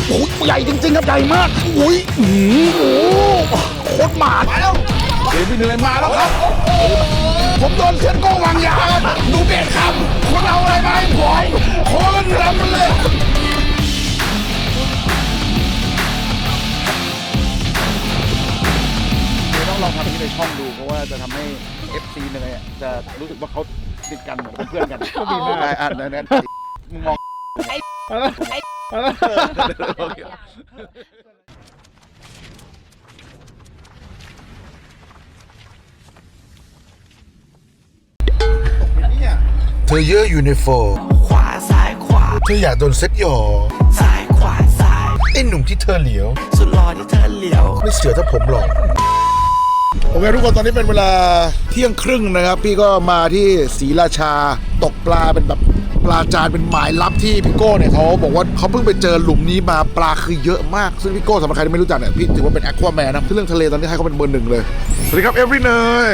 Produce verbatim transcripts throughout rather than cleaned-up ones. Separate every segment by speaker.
Speaker 1: โอ้ยใหญ่จริงๆครับใหญ่มากอุ้ยโอ้โหโคตรหมามาแล้วเดี๋ยวพี่เหนื่อยมาแล้วครับผมโดนเซียนโก้วางยาดูเบ็ดครับคนเอาอะไรมาให้ผมคนรำมันเลยต้องลองทำที่ในช่องดูเพราะว่าจะทำให้ เอฟ ซี เนี่ยจะรู้สึกว่าเขาติดกันเหมือนเพื่อนกันก็มีได้อ่านนั้นมึงมองไอ้ไอ้เธอเยอะอยู่ในโฟขวาซ้ายขวาเธออยากโดนเซ็ตหยอซ้ายขวาซ้ายไอ้หนุ่มที่เธอเหลียวสุดหล่อที่เธอเหลียวไม่เสือถ้าผมหรอกโอเคทุกคนตอนนี้เป็นเวลาเที่ยงครึ่งนะครับพี่ก็มาที่ศรีราชาตกปลาเป็นแบบปลาจานเป็นหมายลับที่พี่โก้เนี่ยเขาบอกว่าเขาเพิ่งไปเจอหลุมนี้มาปลาคือเยอะมากซึ่งพี่โก้สำหรับใครที่ไม่รู้จักเนี่ยพี่ถือว่าเป็นแอควาแมนนะที่เรื่องทะเลตอนนี้ให้เขาเป็นเบอร์หนึ่งเลยสวัสดีครับเอฟรีเนย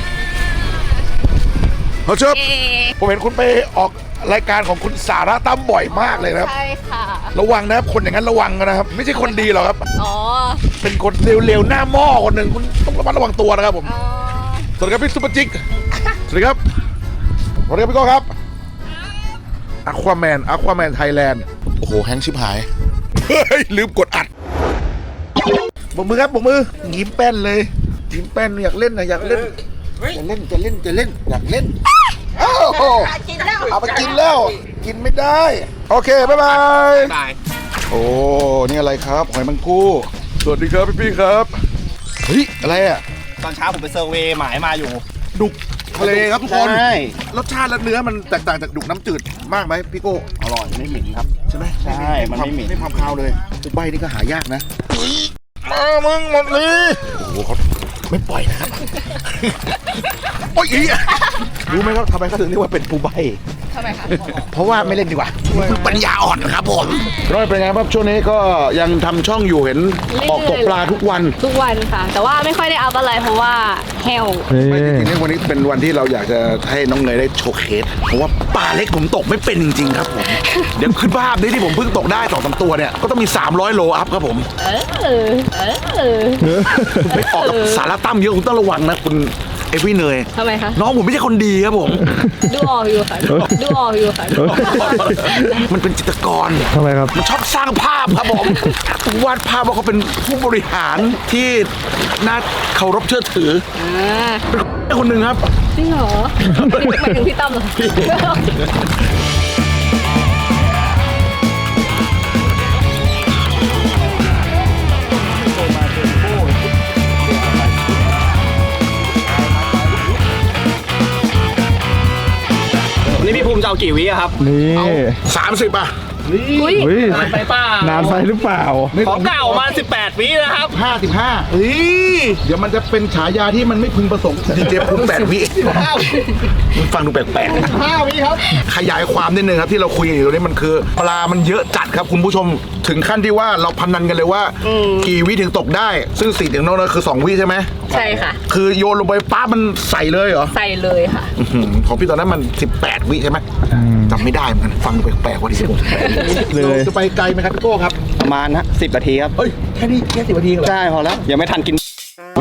Speaker 1: เขาเชิญผมเห็นคุณไปออกรายการของคุณสาระตั้มบ่อยมากเลยนะครับ
Speaker 2: ใช่ค่ะ
Speaker 1: ระวังนะครับคนอย่างนั้นระวังนะครับไม่ใช่คนดีหรอกครับ
Speaker 2: อ๋อ
Speaker 1: เป็นคนเร็วๆหน้าหม้อคนหนึ่งคุณต้องระมัดระวังตัวนะครับผมสวัสดีครับพี่ซุปเปอร์จิกสวัสดีครับสวัสดีครับพี่โก้ครับอควาแมนอควาแมนไทยแลนด์โอ้โหแฮงชิบหายเฮ้ยลืมกดอัดบกมือครับบกมือยิ้มแป้นเลยยิ้มแป้นอยากเล่นนะอยากเล่นจะเล่นจะเล่นจะเล่นอยากเล่นอ้าวเอาไปกินแล้วกินไม่ได้โอเคบ๊ายบายโอ้นี่อะไรครับหอยมังกู้สวัสดีครับพี่พี่ครับเฮ้ยอะไรอ่ะ
Speaker 3: ตอนเช้าผมไปเซอร์เวย์หมายมาอยู่
Speaker 1: ดุกทะเลครับทุกคนรสชาติและเนื้อมันแตกต่างจากดุกน้ำจืดมากไหมพี่โก้
Speaker 3: อร่อยไม่เหม็นครับ
Speaker 1: ใช่ไหม
Speaker 3: ใช่มันไม่เหม็น
Speaker 1: ไม่ความคาวเลยตุกใบนี่ก็หายากนะมามึงหมดเลยโอ้โหเขาไม่ปล่อยนะครับโอ้ยรู้ไหมครับทำไมเขาถึงเรียกว่าเป็นปูใบ
Speaker 2: ทำไมคะ
Speaker 1: เพราะว่าไม่เล่นดีกว่าปัญญาอ่อนครับผมร้อยเป็นไงครับช่วงนี้ก็ยังทำช่องอยู่เห็นออกตกปลาทุกวัน
Speaker 2: ทุกวันค่ะแต่ว่าไม่ค่อยได้อัพอะไรเพราะว่าแห้ว
Speaker 1: ไม่จริงๆวันนี้เป็นวันที่เราอยากจะให้น้องเนยได้โชว์เคสเพราะว่าปลาเล็กผมตกไม่เป็นจริงๆครับผมเดี๋ยวขึ้นภาพนี้ที่ผมเพิ่งตกได้สองสามตัวเนี่ยก็ต้องมีสามร้อยโลอัพครับผมเออเออไม่ออกกับสารตั้มเยอะคุณต้องระวังนะคุณเอฟวี่เนย
Speaker 2: ทำไมคะ
Speaker 1: น้องผมไม่ใช่คนดีครับผม
Speaker 2: ดูออกอยู่ค่ะดูออกอยู่ค่ะ
Speaker 1: มันเป็นจิตรกร
Speaker 4: ทำไมครับ
Speaker 1: มันชอบสร้างภาพครับผมวาดภาพว่าเขาเป็นผู้บริหารที่น่าเคารพเชื่อถือเป็นคนหนึ่งครับ
Speaker 2: จริงเหรอหมายถึงพี่ตั้มเหรอ
Speaker 3: นี่พี่ภูมิจะเอากี่วิครับ
Speaker 4: นี่
Speaker 1: สามสิบอ่ะ
Speaker 4: นี่
Speaker 3: นานไปเปล่าน
Speaker 4: านไปหรือเปล่า
Speaker 3: ของเก่ามาสิบแปดวินะครับ
Speaker 1: ห้าสิบห้าเฮ้ยเดี๋ยวมันจะเป็นฉายาที่มันไม่พึงประสงค์ดีเจภูมิแปดวิฟังดูแปลกๆ
Speaker 3: ห้าวิครับ
Speaker 1: ขยายความนิดนึงครับที่เราคุยอยู่ตรงนี้มันคือปลามันเยอะจัดครับคุณผู้ชมถึงขั้นที่ว่าเราพนันกันเลยว่ากี่วิถึงตกได้ซึ่งสี่ถึงนอกนั้นคือสองวิใช่ไหม
Speaker 2: ใช่ค่ะ
Speaker 1: คือโยนลงไปป้ามันใส่เลยเหรอ
Speaker 2: ใส่เลยค่ะ
Speaker 1: ของพี่ตอนนั้นมันสิบแปดวิใช่ไหมจำไม่ได้เหมือนกันฟังดูแปลกๆว่าดิเลยจะไปไกลไหมครับพี่โก้ครับ
Speaker 3: ประมาณนะสิบนาทีครับ
Speaker 1: เฮ้ยแค่นี้แค่สิบนาทีเหรอ
Speaker 3: ใช่พอแล้วยังไม่ทันกิน
Speaker 4: ไป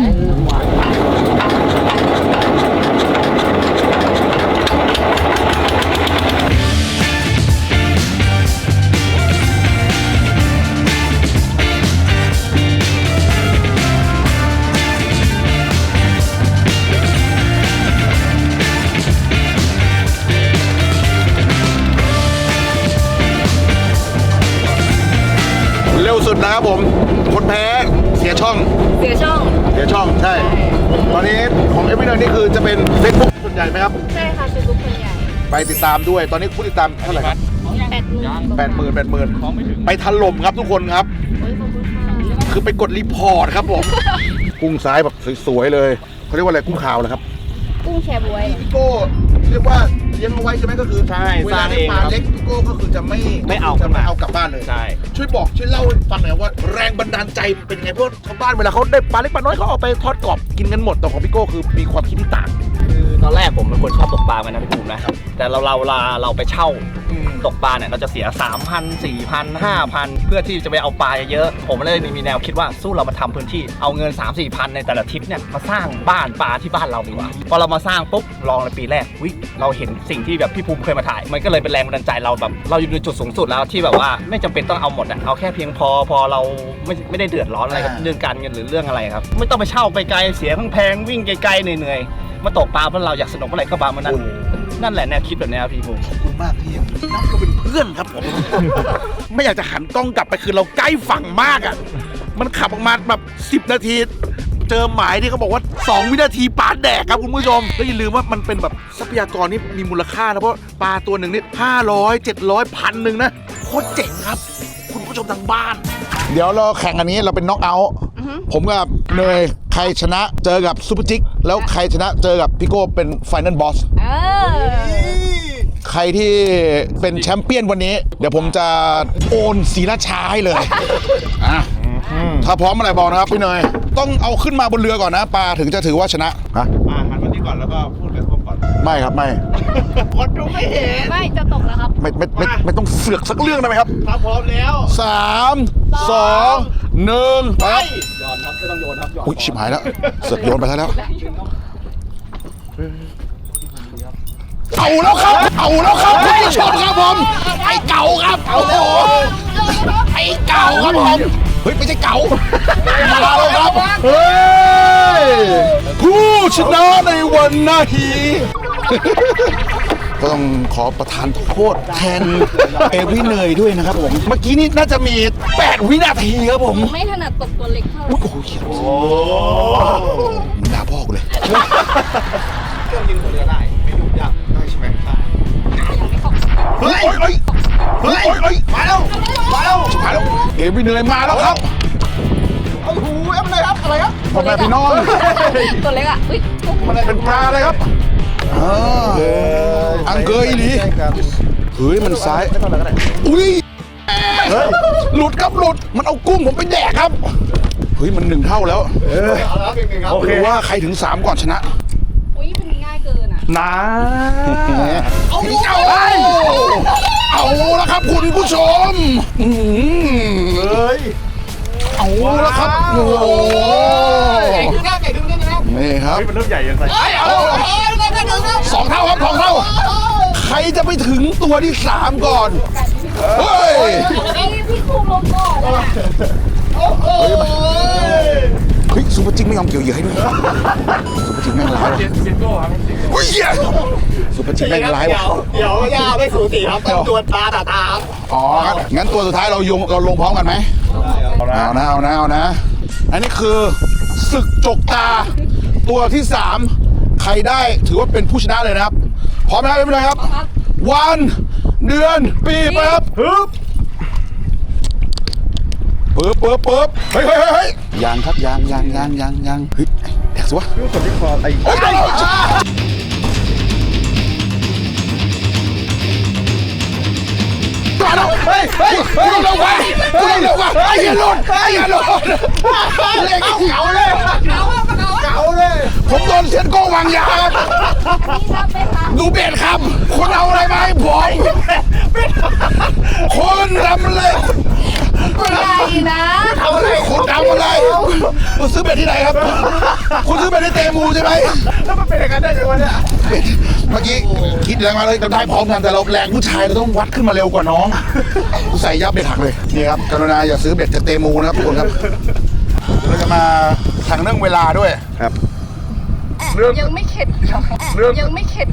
Speaker 1: สุดนะครับผมคนแพ้เสียช่อง
Speaker 2: เสียช่อง
Speaker 1: เสียช่องใช่ตอนนี้ของเอฟวีเนอร์นี่คือจะเป็น Facebook ส่วนใหญ่ไหมครับ
Speaker 2: ใช่ค่ะ Facebook ส่วนใหญ่
Speaker 1: ไปติดตามด้วยตอนนี้ผู้ติดตามเท่าไหร่ครับแปดหมื่นแปดหมื่นแปดหมื่นไปถล่มครับทุกคนครับคือไปกดรีพอร์ตครับผมกุ้งซ้ายแบบสวยๆเลยเขาเรียกว่าอะไรกุ้งขาวเหรอครับ
Speaker 2: กุ้งแชบวย
Speaker 1: พี่โก้เรียกว่าเลี้ยงเอาไว้ใช่ไหมก็คือ
Speaker 3: ใช่
Speaker 1: เวลาได้ปลาเล็กพี่โก้ก็คือจะไม่
Speaker 3: ไม่เอา
Speaker 1: จะไม่เอากลับบ้านเลย
Speaker 3: ใช่
Speaker 1: ช่วยบอกช่วยเล่าให้ฟังหน่อยว่าแรงบันดาลใจเป็นไงเพราะชาวบ้านเวลาเขาได้ปลาเล็กปลาน้อยเขาเอาไปทอดกรอบกินกันหมดแต่ของพี่โก้คือมีความคิดที่ต่าง
Speaker 3: คือตอนแรกผมเป็นคนชอบตกปลากันนะพี่ภูมินะแต่เราเราเราเราไปเช่าตกปลาเนี่ยเราจะเสีย สามพัน สี่พัน ห้าพัน เพื่อที่จะไปเอาปลาเยอะๆผมเลยมีแนวคิดว่าสู้เรามาทำพื้นที่เอาเงิน สามสี่พัน ในแต่ละทริปเนี่ยมาสร้างบ้านปลาที่บ้านเราดีกว่าพอเรามาสร้างปุ๊บลองในปีแรกวิเราเห็นสิ่งที่แบบพี่ภูมิเคยมาถ่ายมันก็เลยเป็นแรงบันดาลใจเราแบบเราอยู่ในจุดสูงสุดแล้วที่แบบว่าไม่จำเป็นต้องเอาหมดอะเอาแค่เพียงพอพอเราไม่ไม่ได้เดือดร้อนอะไรกับเรื่องการเงินหรือเรื่องอะไรครับไม่ต้องไปเช่าไปไกลเสียแพงๆวิ่งไกลๆเหนื่อยๆมาตกปลาเพราะเราอยากสนุกเมื่อไหร่ก็ปลาเมื่อนั้นนั่นแหละแนวคิดแบบนี้ครับพี่ภูมิ
Speaker 1: ขอบคุณมากที่ยังนับเราเป็นเพื่อนครับผม ไม่อยากจะหันกล้องกลับไปคือเราใกล้ฝั่งมากอ่ะ มันขับออกมาแบบสิบนาที เจอหมายที่เขาบอกว่าสองวินาทีปลาแดกครับคุณผู้ชมแล้วอย่าลืมว่ามันเป็นแบบทรัพยากรที่มีมูลค่านะเพราะปลาตัวหนึ่งนี่ห้าร้อยเจ็ดร้อยพันหนึ่งนะโคตรเจ๋งครับ คุณผู้ชมทางบ้าน เดี๋ยวเราแข่งอันนี้เราเป็นน็อกเอาท์ผมกับเนยใครชนะเจอกับซูเปอร์จิกแล้วใครชนะเจอกับพี่โก้เป็นไฟนอลบอส
Speaker 2: เออ
Speaker 1: ใครที่เป็นแชมเปี้ยนวันนี้ เดี๋ยวผมจะโอนศรีราชาให้เลย อ่ะถ้าพร้อมเมื่อไหร่บอกนะครับพี่เนยต้องเอาขึ้นมาบนเรือก่อนนะปลาถึงจะถือว่าชนะฮะ
Speaker 3: อ่าหันมาที่ก่อนแล้วก็พูดกับพวกก่อน
Speaker 1: ไม่ครับไม่
Speaker 3: คนดูไม่เห็น
Speaker 2: ไม่จะตกแล้วครับ
Speaker 1: ไม่ไม่ไม่ไม่ต้องเสือกสักเรื่องได้ไหมครับ
Speaker 3: ถ้าพร้อมแล้ว
Speaker 1: สามสองหนึ่งไปครับ
Speaker 3: โยนครับไม่ต้องโยนครับโยน
Speaker 1: อุ้ยชิบหายแล้วเสือกโยนไปซะแล้วเอาแล้วครับเอาแล้วครับคุณผู้ชมครับผมไอ้เก่าครับโอ้โหไอ้เก่าครับผมเฮ้ยไม่ใช่เก่ามาแล้วครับเฮ้ยผู้ชนะในวันนี้ก็ต้องขอประทานโทษแทนเอวิเนยด้วยนะครับผมเมื่อกี้นี้น่าจะมีแปดวินาทีครับผม
Speaker 2: ไม่ถนัดตกตัวเล็กเท่าไหร่
Speaker 1: โอ้โหเขียวมึงด่าพ่อกูเลย
Speaker 3: เครื่องยิงหัวเรือได้ไม่ยุ่งยากได้ใช่ไหมใช่
Speaker 1: เฮ้ยเฮ้ยเฮ้ยเฮ้ยมาแล้วมาแล้วมาแล้วเอวิเนยมาแล้วครับ
Speaker 3: โอ้โหเอ็มเลยครับอะไรครับ
Speaker 1: พ่อแม่พี่น้อง
Speaker 2: ตัวเล็กอ่ะอุ้ย
Speaker 1: มันเป็นปลาเลยครับอ่าอังเกยอีหลีเฮ้ยมันซ้ายอุ้ยหลุดครับหลุดมันเอากุ้งผมไปแดกครับเฮ้ยมันหนึ่งเท่าแล้ว
Speaker 3: เอาแล้วเป็นไงครับ
Speaker 1: โอเคว่าใครถึงสามก่อนชนะ
Speaker 2: อุ้ยมันง่ายเกินอ่ะ
Speaker 1: นะเอาเอาเอาแล้วครับคุณผู้ชมเฮ้ยเอาแล้วครับโอ้โห
Speaker 3: ไก่ขึ้นหน้าไก่ขึ้นหน้านะครับ
Speaker 1: นี่ครับ
Speaker 3: มันเริ่มใหญ่ยังไง
Speaker 1: เอาสองเท่าครับสองเท่าใครจะไปถึงตัวที่สามก่อนเฮ้ย
Speaker 2: พี่ครูลงก่อนอ่ะ
Speaker 1: เฮ้ยซูเปอร์จิงไม่ยอมเกี่ยวเหยื่อให้ด้วยซูเปอร์จิงแม่งร้ายว่ะเฮ้ยซูเปอร์จิงแม่งร้ายว่ะ
Speaker 3: เดี๋ยวย่าไม่สูสีครับต้องตัวตาตาตาครับ
Speaker 1: อ๋องั้นตัวสุดท้ายเรายงเราลงพร้อมกันไหมเอานะเอานะเอานะเอานะอันนี้คือศึกจกตาตัวที่สามใครได้ถือว่าเป็นผู้ชนะเลยนะครับพร้อมไหมครับไม่เป็นไรครับวันเดือนปีไปครับปึ๊บปึ๊บปึ๊บปึ๊บเฮ้ยเฮ้ยเฮ้ยยางครับยางยางยางยางยางเฮ้ยแดกสิวะรู้สึกที่คอไอ้โอ้ยมาแล้วเฮ้ยเฮ้ยเฮ้ยเร็วกว่าเร็วเร็วกว่าไอ้เหี้ยหลุดไอ้เหี้ยหลุดเล็กเก่าเลยเก่าเลยผมโดนเซียนโก้วางยาครับดูเบ็ดครับคุณเอาอะไรมาให้ผมคุณทำอะไร
Speaker 2: ใหญ่นะ
Speaker 1: ทำอะไรคุณทำอะไรคุณซื้อเบ็ดที่ไหนครับคุณซื้อเบ็ดที่เตมูใช่ไหม
Speaker 3: แล้วมันเป็นอย่างนั้นได้ยังไงเนี่ย
Speaker 1: เบ็ดเมื่อกี้คิดแรงมาเลยเราได้พร้อมกันแต่เราแรงผู้ชายเราต้องวัดขึ้นมาเร็วกว่าน้องกูใส่ยับเบ็ดหักเลยนี่ครับกรุณาอย่าซื้อเบ็ดจากเตมูนะครับทุกคนครับเราจะมาแข่งเรื่องเวลาด้วยครับ
Speaker 2: ยังไม่เข็ดยังไม่เข็ด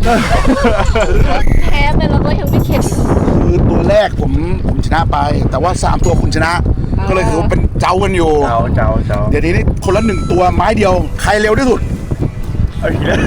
Speaker 2: แพ้ไปแล้วก็ยังไม่เข็ด
Speaker 1: คือตัวแรกผมผมชนะไป แต่ว่าสามตัวคุณชนะ ก็เลยถือว่าเป็นเจ้ากันอยู่
Speaker 3: เจ้าเจ้าเจ้า
Speaker 1: เดี๋ยวนี้คนละหนึ่งตัวไม้เดียวใครเร็วที่สุด
Speaker 3: เอาอีกแล้ว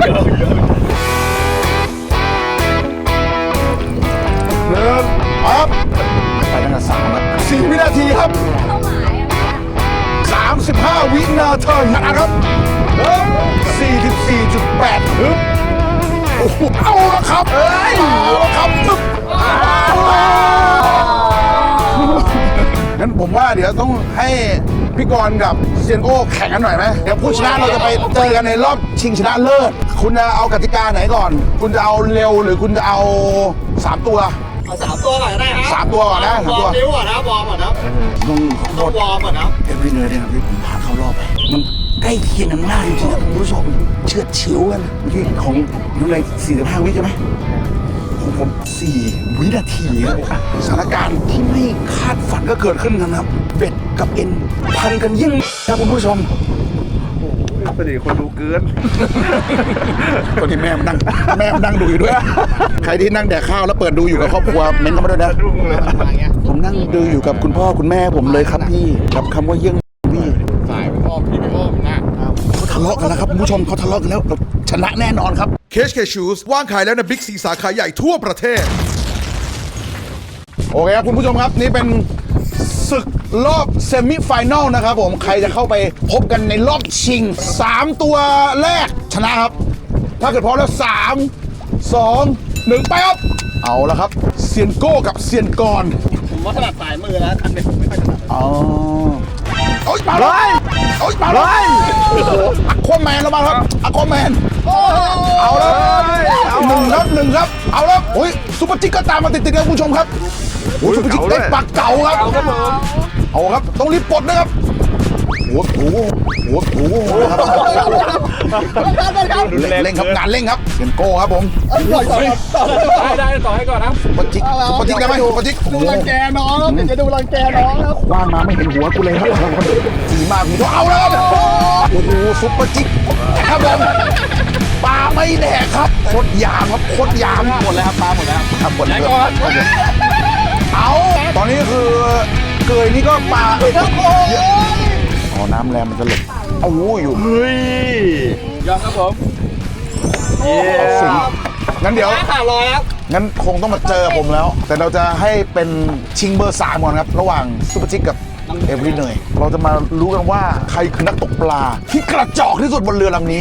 Speaker 1: เริ่มปั๊บไปตั้งแต่สามแล้วสี่วินาทีครับ
Speaker 2: เข้าหมายอ่ะ
Speaker 1: สามสิบห้าวินาทีนะครับสี่สิบสี่จุดแปดฮึบโอ้โหเอาละครับเอ้ยเอาละครับฮึบงั้นผมว่าเดี๋ยวต้องให้พี่กรณ์กับเซียนโก้แข่งกันหน่อยไหมเดี๋ยวผู้ชนะเราจะไปเจอกันในรอบชิงชนะเลิศคุณจะเอากติกาไหนก่อน คุณจะเอาเร็วหรือคุณจะเอาสามตัว
Speaker 3: เอาสามตัวก่อนก็ได้ครับ
Speaker 1: สามตัวก่อนนะสาม
Speaker 3: ว
Speaker 1: ตั
Speaker 3: อ
Speaker 1: ว
Speaker 3: ร์มนิ้วก่อนนะวอร์มก่อนนะ
Speaker 1: ต้องขอโท
Speaker 3: ต้อง
Speaker 1: ษ
Speaker 3: วอร์มก่อนนะ
Speaker 1: เอฟวีเนอร์เนี่ยนะที่ผมพาเข้ารอบไปมันใกล้เคียงกันมากจริงๆนะคุณผู้ชมเชือดฉิวกันเมื่อกี้ของน้องไรสี่สิบห้าวิใช่ไหมของผมสี่วินาทีครับสถานการณ์ที่ไม่คาดฝันก็เกิดขึ้นกันครับเบ็ดกับเอ็นพันกันยิ่งครับคุณผู้ชม
Speaker 4: สนิทคนดูเกิน
Speaker 1: ตอนที่แม่มานั่งแม่มานั่งดูอยู่ด้วย ใครที่นั่งแดกข้าวแล้วเปิดดูอยู่กับครอบครัวเม้นต์เข้ามาด้วยนะผมนั่งดูอยู่กับคุณพ่อคุณแม่ผมเลยครับพี่กับคำว่าเยี่ยงพี่
Speaker 4: สายไปอ้อมพี่ไปอ้อมนะ
Speaker 1: เขาทะเลาะกันแล้วครับคุณผู้ชมเขาทะเลาะกันแล้วเราชนะแน่นอนครับ
Speaker 5: เคชเคชูสว่างขายแล้วในบิ๊กซีสาขาใหญ่ทั่วประเทศ
Speaker 1: โอเคครับคุณผู้ชมครับนี่เป็นศึกรอบเซมิไฟแนลนะครับผมใครจะเข้าไปพบกันในรอบชิงสามตัวแรกชนะครับ ถ้าเกิดพร้อมแล้วสามสองหนึ่งไปครับเอาละครับเซียนโก้กับเซียนกร
Speaker 3: ผมว่าถนัดสายมือแล้วคันเป็นผมไม่ค่อยถนัด
Speaker 1: อ๋อโอ๊ยมาเลยโอ๊ยมาเลยโอ้โหอะควาแมนเรามาครับอะควาแมนเอาแล้วหนึ่งครับหนึ่งครับเอาแล้วโอ้ยซุปเปอร์จิ๊กก็ตามมาติดๆครับคุณผู้ชมครับโอ้ยซุปเปอร์จิ๊กได้ปากเก่าครับเอาครับต้องรีบปลดนะครับหัวถูหัวถูครับเร่งครับงานเร่งครับเซียนโก้ครับผม
Speaker 4: ได้ได้ต่อให้ก่อนนะ
Speaker 1: ซุปเปอร์จิ๊กซุปเปอร์จิ๊กได้ไหมซุปเปอร์จิ๊ก
Speaker 3: ดูรังแกน้องครับเดี๋ยวจะดูรังแกน้องครับ
Speaker 1: ว่างมาไม่เห็นหัวกูเลยครับสีมากคุณผู้ชมเอาแล้วครับโอ้โหซุปเปอร์จิ๊กครับผมปลาไม่แดกครับโคตรยามครับโคตรยาม
Speaker 3: หมดแล้วครับปลาหมดแล้ว
Speaker 1: ครับหมดเลยเอาตอนนี้คือเกยนี่ก็ปลาเยอะอ๋อน้ำแรงมันจะหลบเอาหูอยู่
Speaker 4: เฮ้ยยอมครับผมเย้
Speaker 1: สิงงั้นเดี๋ยว
Speaker 3: ขาดลอยครับ
Speaker 1: งั้นคงต้องมาเจอผมแล้ว แต่เราจะให้เป็นชิงเบอร์สามก่อนครับ ระหว่างซุปเปอร์จิ๊กกับเอเวอร์เนยเราจะมารู้กันว่าใครคือนักตกปลา ที่กระจอกที่สุดบนเรือลำนี้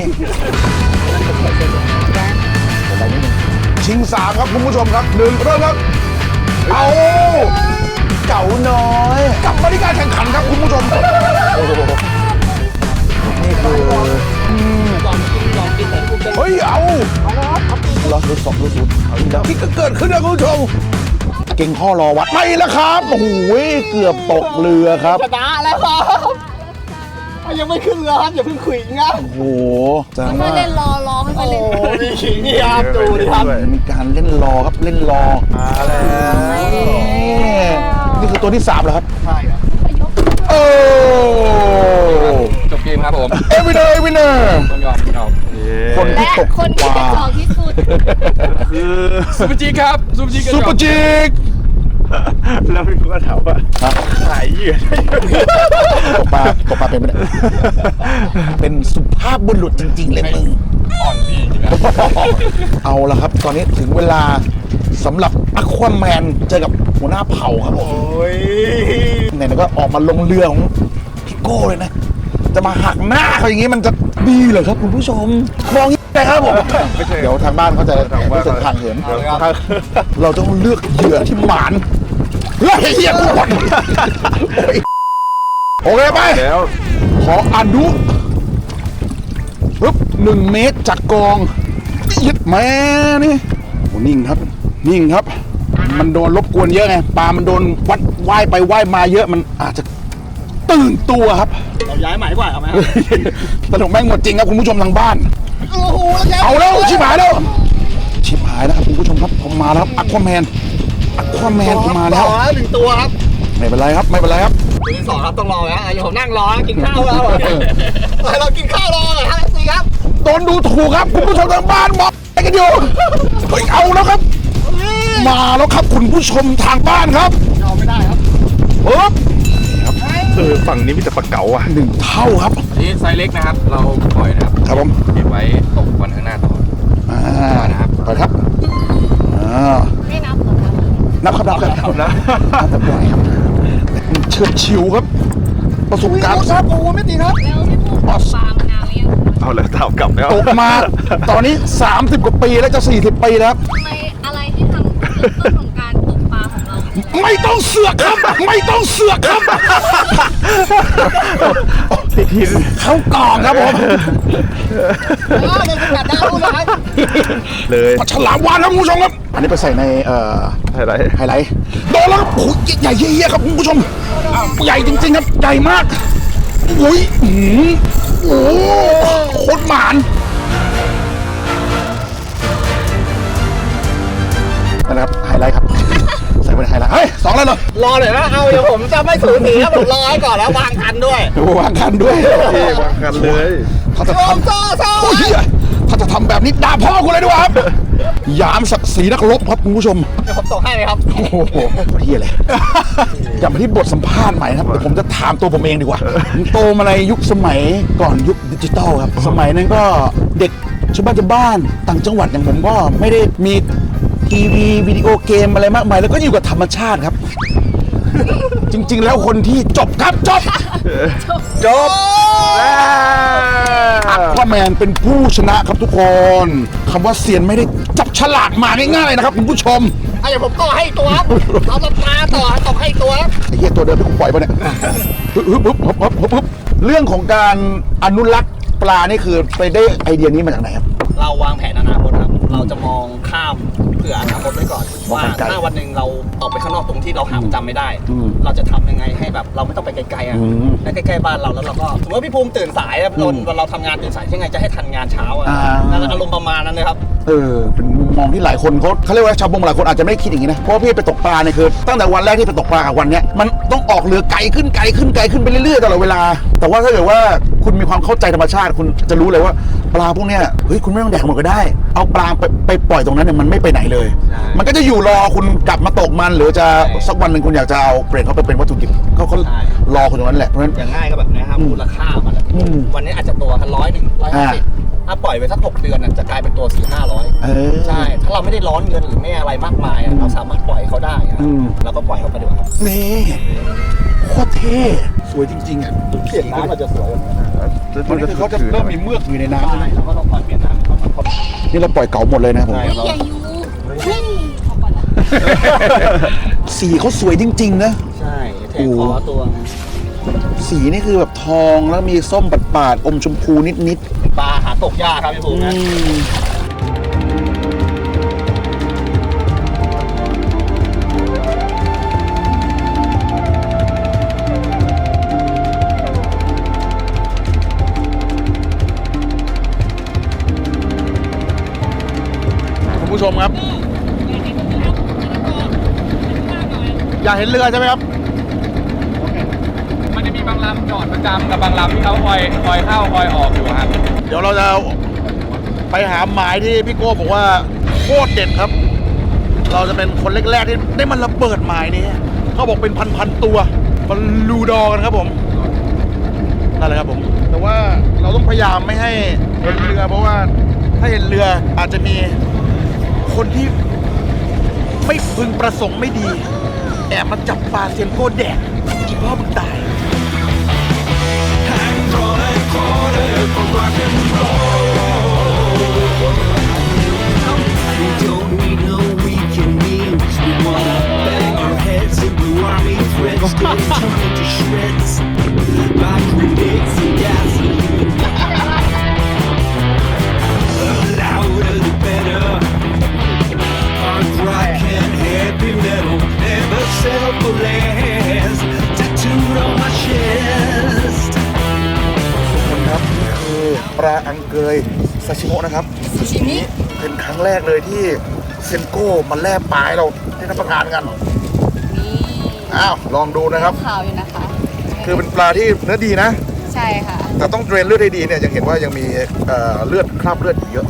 Speaker 1: ชิงสามครับคุณผู้ชมครับหนึ่งเริ่มครับ เอาเก๋าน้อยกลับมาที่การแข่งขันครับคุณผู้ชมโอ้โหนี่คืออืมเฮ้ยเอารอสุดสองรอสุดเอาอีกแล้วที่เกิดขึ้นนะคุณผู้ชมเก่งข้อรอวัดไปแล้วครับโอ้โหเกือบตกเรือครับ
Speaker 3: ชนะแล้วครับยังไม่ขึ้นเรือครับอย่าเพิ่งขุยนะ
Speaker 1: โอ้โหแสดง
Speaker 2: ไม่
Speaker 1: ว่า
Speaker 2: เล่นรอรอไม่ค่อยเล่น
Speaker 3: โอ้ดีขิงนี่ครับดูดิครับ
Speaker 1: มีการเล่นรอครับเล่นรอนี่คือตัวที่สามเหรอครับ
Speaker 3: ใช่ครับ
Speaker 1: โอ้
Speaker 4: จบเกมครับผม
Speaker 1: เอวินเนอร์เอวินเนอร์
Speaker 4: ต้องยอมต้องยอม
Speaker 1: คนที่
Speaker 2: และ
Speaker 1: ตก
Speaker 2: คนที่กระจอกที่สุด
Speaker 4: คือซูเปอร์จีครับซูเปอร์จี
Speaker 1: ซุปเปอร์จิก
Speaker 4: แล้วพี่ก็ถามว่าขายเหยื่อ
Speaker 1: ตกปลาตกปลาเป็นไหมเนี่ยเป็นสุภาพบุรุษจริง ๆ เลยมึง
Speaker 4: อ่อนพี่จริง
Speaker 1: เอาละครับ ตอนนี้ถึงเวลาสำหรับอควาแมนเจอกับหัวหน้าเผ่าครับผม
Speaker 3: โอ้ย
Speaker 1: ไหนๆก็ออกมาลงเรือของพี่โก้เลยนะ จะมาหักหน้าเขาอย่างนี้มันจะดีเหรอครับคุณผู้ชมมองอย่างนี้นะครับผมเดี๋ยวทางบ้านเขาจะรู้สึกทางเหินเราต้องเลือกเหยื่อที่หมานเฮ้ยเหี้ยกูก่อนโอ้ยโอเคไป
Speaker 4: แล้ว
Speaker 1: ขออนุปึ๊บหนึ่งเมตรจากกองยึดแม่นี่โอ้นิ่งครับ นิ่งครับ มันโดนรบกวนเยอะไงปลามันโดนวัดว่ายไปว่ายมาเยอะมันอาจจะตื่นตัวครับ
Speaker 3: เราย้ายใหม่ดีกว่าเอาไหมครับ
Speaker 1: ตลกแม่งหมดจริงครับคุณผู้ชมทางบ้าน
Speaker 3: โอ้โหแล้ว
Speaker 1: เอาแล้วชิบหายแล้ว ชิบหายแล้วครับคุณผู้ชมครับผมมาแล้วครับอัควาแมนอัควาแมนผมมาแล้ว
Speaker 3: ต่อหนึ่งตัวครับ
Speaker 1: ไม่เป็นไรครับไม่เป็นไรครับ
Speaker 3: ตัวที่สองครับต้องรอนะอย่าผมนั่งรอนะกินข้าวแล้วเรากินข้าวรอหน่อยครับสิครับ
Speaker 1: โดนดูถูกครับคุณผู้ชมทางบ้านมองอะไรกันอยู่เฮ้ยเอาแล้วครับ มาแล้วครับคุณผู้ชมทางบ้านครับ
Speaker 3: ยอมไม่ได้ครับ
Speaker 1: ปึ๊บ
Speaker 4: เออฝั่งนี้มีแต่ปลาเก๋าอ่ะ
Speaker 1: หนึ่งเท่าครับ
Speaker 4: นี่ไซส์เล็กนะครับ เราปล่อยนะครับ
Speaker 1: ครับผม
Speaker 4: เก็บไว้ตกวันข้างหน้าต่อ
Speaker 1: อ่าไปครับอ่า
Speaker 2: ไม่นับเหรอคะ
Speaker 1: นับครับนับครับ
Speaker 4: นะ
Speaker 1: นับปล่อยครับเชิดชิวครับ ประสบการณ์
Speaker 3: ครับโอ้ไม่ตีครับ
Speaker 2: แล้วพี่ปูตกปลามานานหรือยัง
Speaker 4: เอาแล้วเท่ากลับแล้ว
Speaker 1: ตกมาตอนนี้สามสิบกว่าปีแล้วจะสี่สิบปีแล้วครับ
Speaker 2: ทำไมอะไรที่ทำจุดต้นของการตกปลาของเรา
Speaker 1: ไม่ต้องเสือกครับ ไม่ต้องเสือกครับ
Speaker 4: ติดทิน
Speaker 1: เข้ากล่องครับผม
Speaker 4: เลย
Speaker 1: ปลาฉลามวาฬครับคุณผู้ชมครับ อันนี้ไปใส่ในเอ่อ
Speaker 4: ไฮไลท์
Speaker 1: ไฮไลท์โดนแล้วครับโอ้ยใหญ่เยี่ยๆครับคุณผู้ชมใหญ่จริงๆครับใหญ่มากโอ้ยอื้อหือโอ้โหโคตรหมานนั่นแหละครับไฮไลท์ครับใส่ไปในไฮไลท์เฮ้ยสองแล้วเหรอ
Speaker 3: รอหน่อยนะเอาเดี๋ยวผมจะไม่สูสีครับผมรอให้ก่อนแล้ววางคันด้วย
Speaker 1: วางคันด้วย
Speaker 4: วางกันเลย
Speaker 1: ถ้าจะทำ
Speaker 3: โซ่โซ่
Speaker 1: โอ้ยเหี้ยถ้าจะทำแบบนี้ด่าพ่อกูเลยดีกว่าครับยามศักดิ์ศรีนักรบครับคุณผู้ชม
Speaker 3: เดี๋ยวผมส่งให้เลยครับ
Speaker 1: โอ้โหเฮียเลยกลับมาที่บทสัมภาษณ์ใหม่นะครับเดี๋ยวผมจะถามตัวผมเองดีกว่าผมโตมาในยุคสมัยก่อนยุคดิจิตอลครับสมัยนั้นก็เด็กชาวบ้านชาวบ้านต่างจังหวัดอย่างผมก็ไม่ได้มีทีวีวิดีโอเกมอะไรมากมายแล้วก็อยู่กับธรรมชาติครับ จริงๆแล้วคนที่จบครับจบจบอัควาแมนเป็นผู้ชนะครับทุกคนคำว่าเซียนไม่ได้จับฉลากมาง่ายๆนะครับคุณผู้ชม
Speaker 3: เอาเดี๋ยวผมต่อให้ตัวครับเอาตาต่อต่อให้ตัวครับ
Speaker 1: ไอ้เหี้ยตัวเดิมที่กูปล่อยไปเนี่ยฮึบฮึบฮึบฮึบฮึบฮึบฮึบเรื่องของการอนุรักษ์ปลานี่คือไปได้ไอเดียนี้มาจากไหนครับ
Speaker 3: เราวางแผนอนาคตครับ เราจะมองข้ามเผื่ออนาคตไว้ก่อน
Speaker 1: มอง
Speaker 3: ว่า
Speaker 1: ไกลๆ
Speaker 3: ถ้าวันหนึ่งเราออกไปข้างนอกตรงที่เราหาประจำไม่ได้
Speaker 1: อืม
Speaker 3: เราจะทำยังไงให้แบบเราไม่ต้องไปไกลๆอ่ะ
Speaker 1: อืม
Speaker 3: และใกล้ๆบ้านเราแล้วเราก็สมมติว่าพี่ภูมิตื่นสายอะเราเราทำงานตื่นสายยังไงจะให้ทันงานเช้าอ่ะ
Speaker 1: อ่า
Speaker 3: นั่นอารมณ์ประมาณนั้นเลยครับ
Speaker 1: เออเป็นมุมมองที่หลายคนเขาเขาเรียกว่าชาวบงหลายคนอาจจะไม่ได้คิดอย่างนี้นะเพราะว่าพี่ไปตกปลาเนี่ยคือตั้งแต่วันแรกที่ไปตกปลากับวันเนี้ยมันต้องออกเรือไกลขึ้นไกลขึ้นไกลขึ้นไปเรื่อยๆตลอดเวลา แต่ว่าถ้าเกิดว่าคุณมีความเข้าใจธรรมชาติคุณจะรู้เลยว่าปลาพวกเนี้ยเฮ้ยคุณไม่ต้องแดกหมดก็ได้ เอาปลาไปไปปล่อยตรงนั้นเนี่ยมันไม่ไปไหนเลย
Speaker 3: ใช่
Speaker 1: มันก็จะอยู่รอคุณกลับมาตกมันหรือจะสักวันหนึ่งคุณอยากจะเอาเปลี่ยนเขาไปเป็นวัตถุดิบเขาก็รอคุณตรงนั้นแหละเพราะฉะนั้น
Speaker 3: อย่างง่ายก็แบบนี้ครับมูลค่ามันอะ
Speaker 1: อืม
Speaker 3: วันนี้อาจจะตัวกันร้อยหนึ่งร้อยห้าสิบถ้าปล่อยไปสักหกเดือนน่ะจะกลายเป็นตัวสี่ห้าร้อย
Speaker 1: เออ
Speaker 3: ใช่ ถ้าเราไม่ได้ร้อนเงินหรือไม่อะไรมากมายอะเราสามารถปล่อยเขาได้อะ
Speaker 1: อืม
Speaker 3: เราก็ปล่อยเขาไปดีกว่าครับ
Speaker 1: นี่โคตรเท่สวยจริงๆอ่ะ
Speaker 3: เปลี่ยนน้ำมันจะสวยกว่านี้นะ
Speaker 1: ตอนนี้คือเขาจะเริ่มมีเมือกอยู่ในน้ำ
Speaker 3: ใช่เราก็ต้องปล่อยเปลี่ยนน้ำเขาเขา
Speaker 1: นี่เราปล่อยเก๋าหมดเลยนะผม
Speaker 3: ใช่เรา
Speaker 2: อย่าอยู่เฮ้ยเอาก่อนนะ
Speaker 1: สีเขาสวยจริงๆนะ
Speaker 3: ใช่แทงคอตัว
Speaker 1: สีนี่คือแบบทองแล้วมีส้มปาดๆอมชมพูนิด
Speaker 3: ปลาหาตกยากครับพี่ภู
Speaker 1: ๆ
Speaker 3: มินะ
Speaker 1: คุณผู้ชมครับ อยากเห็นเรือใช่ไหมครับ
Speaker 6: มันจะมีบางลำจอดประจำกับบางลำที่เขาคอยคอยเข้าคอยออกอยู่ครับ
Speaker 1: เดี๋ยวเราจะไปหาหมายที่พี่โก้บอกว่าโคตรเด็ดครับ เราจะเป็นคนแรกๆที่ได้มันระเบิดหมายนี้เขาบอกเป็นพันๆตัวมันลูดอกันครับผมนั่นแหละครับผม แต่ว่าเราต้องพยายามไม่ให้เห็นเรือเพราะว่าถ้าเห็นเรืออาจจะมีคนที่ไม่พึงประสงค์ไม่ดีแอบมาจับปลาเซียนโก้แดกอีพ่อมึงตาย
Speaker 7: We don't need no weekend meals. We wanna bang our heads into army threads, get torn into shreds by grenades and gasoline. The louder the better. Hard rock and heavy metal, never settle for less. Tattooed on my chest.
Speaker 1: ครับนี่คือปลาอังเกยซาชิโมะนะครับซาชิมิเป็นครั้งแรกเลยที่เซนโก้มาแล่ปลาให้เราได้รับประทานกัน
Speaker 2: นี่
Speaker 1: อ้าวลองดูนะครับ
Speaker 2: ขาวอยู่นะคะ
Speaker 1: คือเป็นปลาที่เนื้อดีนะ
Speaker 2: ใช่ค่ะ
Speaker 1: แต่ต้องเดรนเลือดให้ดีเนี่ยยังเห็นว่ายังมีเอ่อเลือดคราบเลือดอยู่เยอะ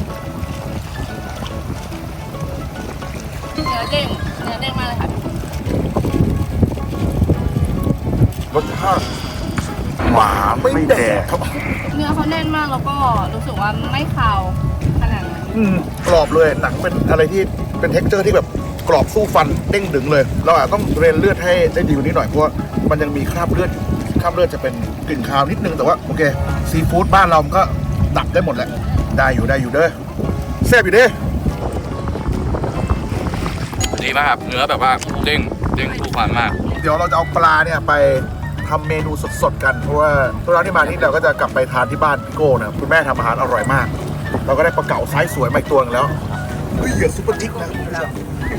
Speaker 2: เนื้อเด้งเนื้อเด้งมากเลยค่ะ
Speaker 1: รสชาติหมาไม่แดกครับ
Speaker 2: เนื้อเขาแน่นมากแล้วก็รู้สึกว่าไม่คาวขนาดนั้น
Speaker 1: อืมกรอบเลยหนังเป็นอะไรที่เป็นเท็กเจอร์ที่แบบกรอบสู้ฟันเด้งดึงเลย เราอาจต้องเดรนเลือดให้ได้ดีกว่านี้หน่อยเพราะว่ามันยังมีคราบเลือดอยู่คราบเลือดจะเป็นกลิ่นคาวนิดนึงแต่ว่าโอเคซีฟู้ดบ้านเรามันก็ดับได้หมดแหละได้อยู่ได้อยู่เด้อแซ่บอยู่เด้อ
Speaker 6: ดีมากครับเนื้อแบบว่าเด้งเด้งฟูฟันมาก
Speaker 1: เดี๋ยวเราจะเอาปลาเนี่ยไปทำเมนูสดๆกันเพราะว่าทุกครั้งที่มาที่เราก็จะกลับไปทานที่บ้านพี่โก้นะครับคุณแม่ทำอาหารอร่อยมาก เราก็ได้ปลาเก๋าไซส์สวยมาอีกตัวนึงแล้วเฮ้ยเหยื่อซุปเปอร์จิ๊กนะครับคุณผู้ชม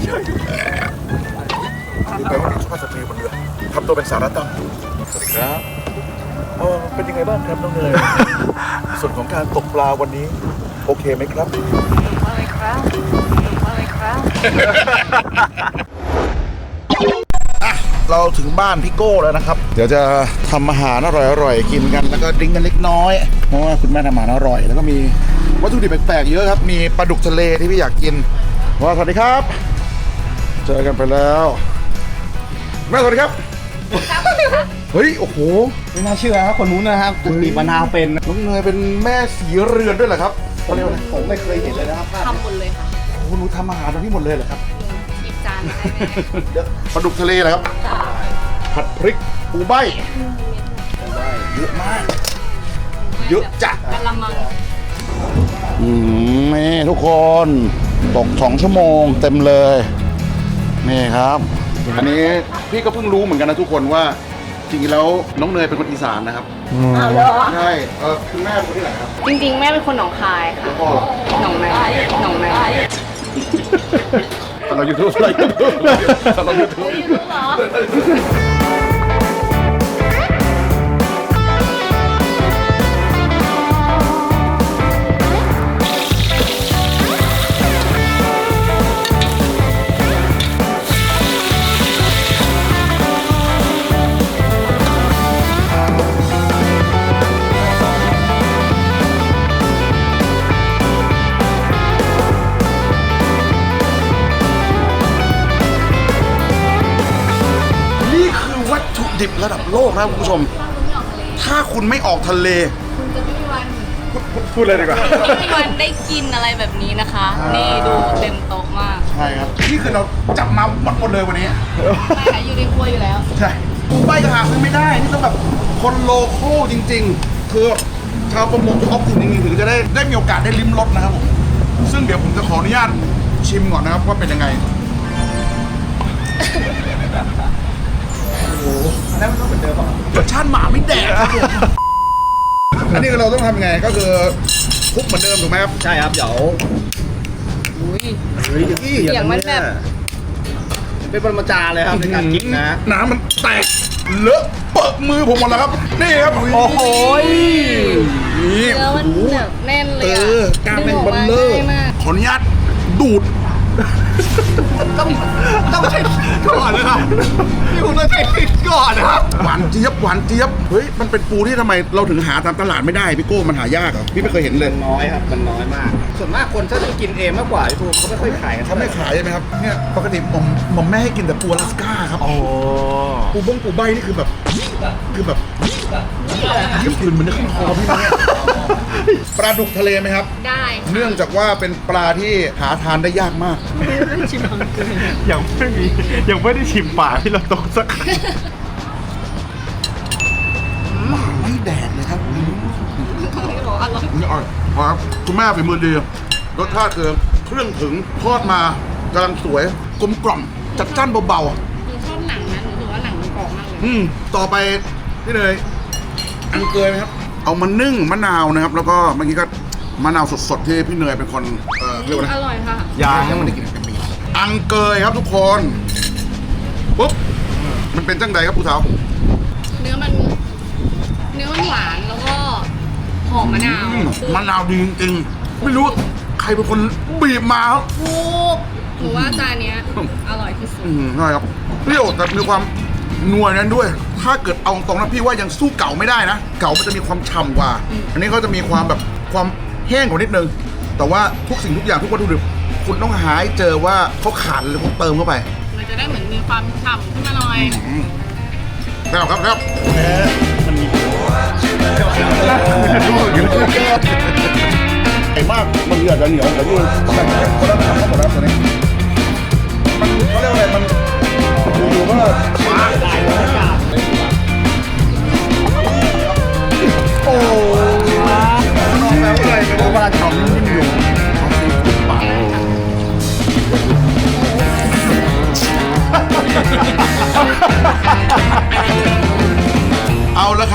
Speaker 1: นี่แปลว่านี่สุภาพสตรีบนเรือทำตัวเป็นสาระตั้งสวัสดีครับเออเป็นยังไงบ้างครับน้องเนย ส่วนของการตกปลาวันนี้โอเคไหมครับ
Speaker 2: อะไรครับอะไรครับ
Speaker 1: เราถึงบ้านพี่โก้แล้วนะครับ เดี๋ยวจะทำอาหารอร่อยๆกินกันแล้วก็ดริ้งกันเล็กน้อยเพราะว่าคุณแม่ทำอาหารอร่อยแล้วก็มีวัตถุดิบแปลกๆเยอะครับมีปลาดุกทะเลที่พี่อยากกินว่าสวัสดีครับ เจอกันไปแล้วแม่สวัสดีครับเฮ้ยโอ้โห
Speaker 3: ไม่น่าเชื่อครับคนนู้นนะครับบีบมะนาวเป็น
Speaker 1: น้องเนยเป็นแม่สีเรือนด้วยเหรอครับเขาเรียกว่าอะไร
Speaker 3: ผมไม่เคยเห็นเลยนะครับ
Speaker 2: ทำหมดเลยค่ะ
Speaker 1: โอ้โหหนูทำอาหารตรงนี้หมดเลยเหรอครับ
Speaker 2: หยิบจานได้แน่
Speaker 1: เดี๋ยวปลาดุกทะเลเหรอครับ
Speaker 2: จ้า
Speaker 1: ผัดพริกปูใบเยอะมาก เยอะจัด
Speaker 2: กะละมัง
Speaker 1: อืมนี่ทุกคนตกสองชั่วโมงเต็มเลยนี่ครับ อันนี้พี่ก็เพิ่งรู้เหมือนกันนะทุกคนว่าจริงๆแล้วน้องเนยเป็นคนอีสานนะครับ
Speaker 2: อ้าวเหรอ
Speaker 1: ใช่เออคุณแม่เป็นคนที่ไหนครับ
Speaker 2: จริงๆ แม่เป็นคนหนองคายค่ะ
Speaker 1: พ่อ
Speaker 2: หนองในหนองใน
Speaker 1: เรายูทูบเรายูทูบเรายูทูบ
Speaker 2: รู้เหรอ
Speaker 1: นี่คือวัตถุดิบระดับโลกนะคุณผู้ชม ถ้าคุณไม่ออกทะเล
Speaker 2: คุณจะไม่มีวัน
Speaker 1: พูดเลยดีกว่า
Speaker 2: ไม่มีวันได้กินอะไรแบบนี้นะคะ นี่ดูเต็มโต๊ะมาก
Speaker 1: ใช่ครับ นี่คือเราจับมาหมดหมดเลยวันนี้
Speaker 2: ไม่ค่ะอยู่ในครัวอยู่แล้ว
Speaker 1: ใช่ปูใบก็หาซื้อไม่ได้ นี่ต้องแบบคนโลโก้จริง ๆ คือชาวประมงท้องถิ่นจริงๆถึงจะได้ได้มีโอกาสได้ลิ้มรสนะครับผม ซึ่งเดี๋ยวผมจะขออนุญาตชิมก่อนนะครับว่าเป็นยังไง โอ้โหแล้วมันต้องเป็นเดิมป่ะรสชาติหมาไม่แดกครับผมอันนี้เราต้องทำยังไงก็คือคลุกเหมือนเดิมถูกไหมครับ
Speaker 3: ใช่ครับเดี๋ยว
Speaker 2: อุ้ย
Speaker 3: เฮ้ย
Speaker 2: เสียงมันแบบ
Speaker 3: เป็นปรมาจารย์เลยครับในการกินนะ
Speaker 1: น้ำมันแตกเลอะเปิดมือผมหมดแล้วครับ นี่ครับ
Speaker 3: โอ้โห
Speaker 1: นี่
Speaker 2: เนื้อมันแบบแน่นเล
Speaker 1: เอย
Speaker 2: อะ
Speaker 1: อการเป็นบัลเลอร์
Speaker 2: ดึงกมาง่ายมาก
Speaker 1: ขออนุญาตดูด
Speaker 3: ต้องต้องใช้ก่อนนะครับพี่คุณต้องใช้ก่อนนะครับ
Speaker 1: หวานเจี๊ยบหวานเจี๊ยบเฮ้ยมันเป็นปูที่ทำไมเราถึงหาตามตลาดไม่ได้พี่โก้มันหายากเหรอพี่ไม่เคยเห็นเลย
Speaker 3: น้อยครับมันน้อยมาก ส่วนมากคนถ้าจะกินเองมากกว่าพี่ภูมิเขาไม่ค่อยขายกัน
Speaker 1: เขาไม่ขายใช่ไหมครับเนี่ยปกติผมผมแม่ให้กินแต่ปูอลาสก้าครับ
Speaker 3: โอ้
Speaker 1: ปูบ้งปูใบนี่คือแบบคือแบบยิ่งกลืนมันจะขึ้นคอพี่เนี่ยปลาดุกทะเลไหมครับ
Speaker 2: ได้ค่ะ
Speaker 1: เนื่องจากว่าเป็นปลาที่หาทานได้ยากมาก
Speaker 4: ยังไม่มียังไม่ได้ชิมป่าที่เราตกสัก
Speaker 1: หมาไม่แดกเลยครับ
Speaker 2: เขาบอกอร่อย
Speaker 1: นี่อร่อยครับคุณแม่ฝีมือดีรสชาติคือเครื่องถึงทอดมากำลังสวยกลมกล่อมจัดจ้านเบา
Speaker 2: หนูชอบหนังนะหนูถือว่าหนังมันกรอบมากเลย
Speaker 1: ๆอืมต่อไปนี่เลยอังเกยไหมครับ เอามานึ่งมะนาวนะครับ แล้วก็เมื่อกี้ก็มะนาวสดๆที่พี่เนยเป็นคนเอ่อเรียกว่าอะไร
Speaker 2: อร่อยค่ะ
Speaker 1: ยางให้มันได้กินเป็นปีอังเกยครับทุกคนปุ๊บมันเป็นจังใดครับผู้สาว
Speaker 2: เนื้อมัน เนื้อมันหวานแล้วก็หอมมะนาว
Speaker 1: อืมมะนาวดีจริงๆไม่รู้ใครเป็นคนบีบมาครับ
Speaker 2: ถูกหนูว่าจานเนี้ยอร่อยที่สุด
Speaker 1: อืมใช่ครับเปรี้ยวแต่มีความนัวนั้นด้วย ถ้าเกิดเอาตรงนะพี่ว่ายังสู้เก่าไม่ได้นะ เก่ามันจะมีความฉ่ำกว่า อันนี้เขาจะมีความแบบความแห้งกว่านิดนึง แต่ว่าทุกสิ่งทุกอย่างทุกวัตถุดิบคุณต้องหาให้เจอว่าเขาขาดอะไรคุณเติมเข้าไป
Speaker 2: มันจะได้เหมือนมีความฉ่ำขึ้นมาหน่อย
Speaker 1: แล้วครับครับใหญ่มากมันเหลือจะเหนียวแต่นี่มันคนละทำหมดแล้วตัวนี้มันเขาเรียกว่าอะไรมันอยู่ๆก็ฟ้าโอ้น้องแล้วอะไรไม่รู้ว่าทำนิ่มๆอยู่เอาซีฟู้ดปาก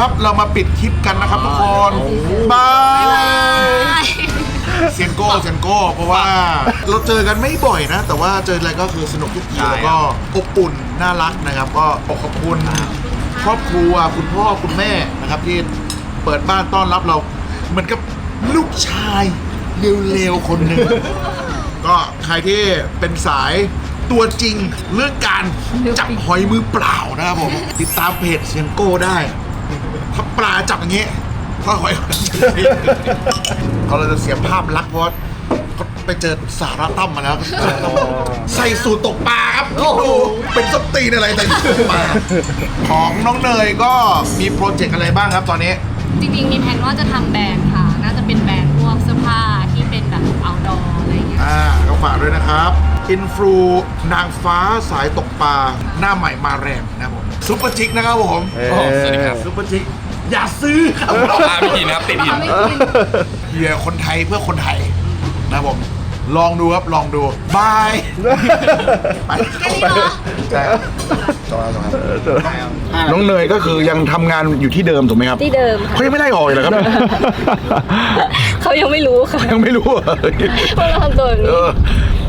Speaker 1: ครับเรามาปิดคลิปกันนะครับทุกคนบายเซียนโก้เซียนโก้เพราะว่าเราเจอกันไม่บ่อยนะ แต่ว่าเจออะไรก็คือสนุกทุกทีแล้วก็อบอุ่นน่ารักนะครับ ก็ขอบคุณครอบครัวคุณพ่อคุณแม่นะครับที่เปิดบ้านต้อนรับเราเหมือนกับลูกชายเร็วๆคนหนึ่ง ก็ใครที่เป็นสายตัวจริงเรื่องการจับหอยมือเปล่านะครับผม ติดตามเพจเซียงโก้ได้ ถ้าปลาจับอย่างเงี้ยถ้าหอยเขาเราจะเสียภาพลักษณ์เพราะว่าเขาไปเจอสาระตั้มมาแล้ว ใส่สูตรตกปลาครับคิดดูเป็นสตีนอะไรแต่ตกปลาของน้องเนยก็มีโปรเจกต์อะไรบ้างครับตอนนี้
Speaker 2: จริงๆมีแผนว่าจะทำแบรนด์ค่ะ น่าจะเป็นแบรนด์พวกเสื้อผ้าที่เป็นแบบ outdoor อะไรอย่างเงี้ย
Speaker 1: อ่าก็ฝากด้วยนะครับอินฟลูนางฟ้าสายตกปลาหน้าใหม่มาแรงนะครับผมซุปเปอร์จิกนะครับผม
Speaker 6: โอ้สวัสดีครับ
Speaker 1: ซุปเปอร์จิกอย่าซื้อครับ
Speaker 6: ปลาไม่กินนะครับติดหิน
Speaker 2: ไม่กิน
Speaker 1: เฮียคนไทยเพื่อคนไทยนะครับผมลองดูครับลองดูบายไป
Speaker 2: แค่นี้เหรอ
Speaker 1: ใช่จอแล้วครับน้องเนยก็คือยังทำงานอยู่ที่เดิมถูกไหมครับ
Speaker 2: ที่เดิมค่ะ
Speaker 1: เขายังไม่ได้ออกเลยเหรอครับ
Speaker 2: เขายังไม่รู้ค่ะ
Speaker 1: ยังไม่รู้เหรอ
Speaker 2: ว่าเราทำตัวแบบ
Speaker 1: เอ
Speaker 2: นี้
Speaker 1: อ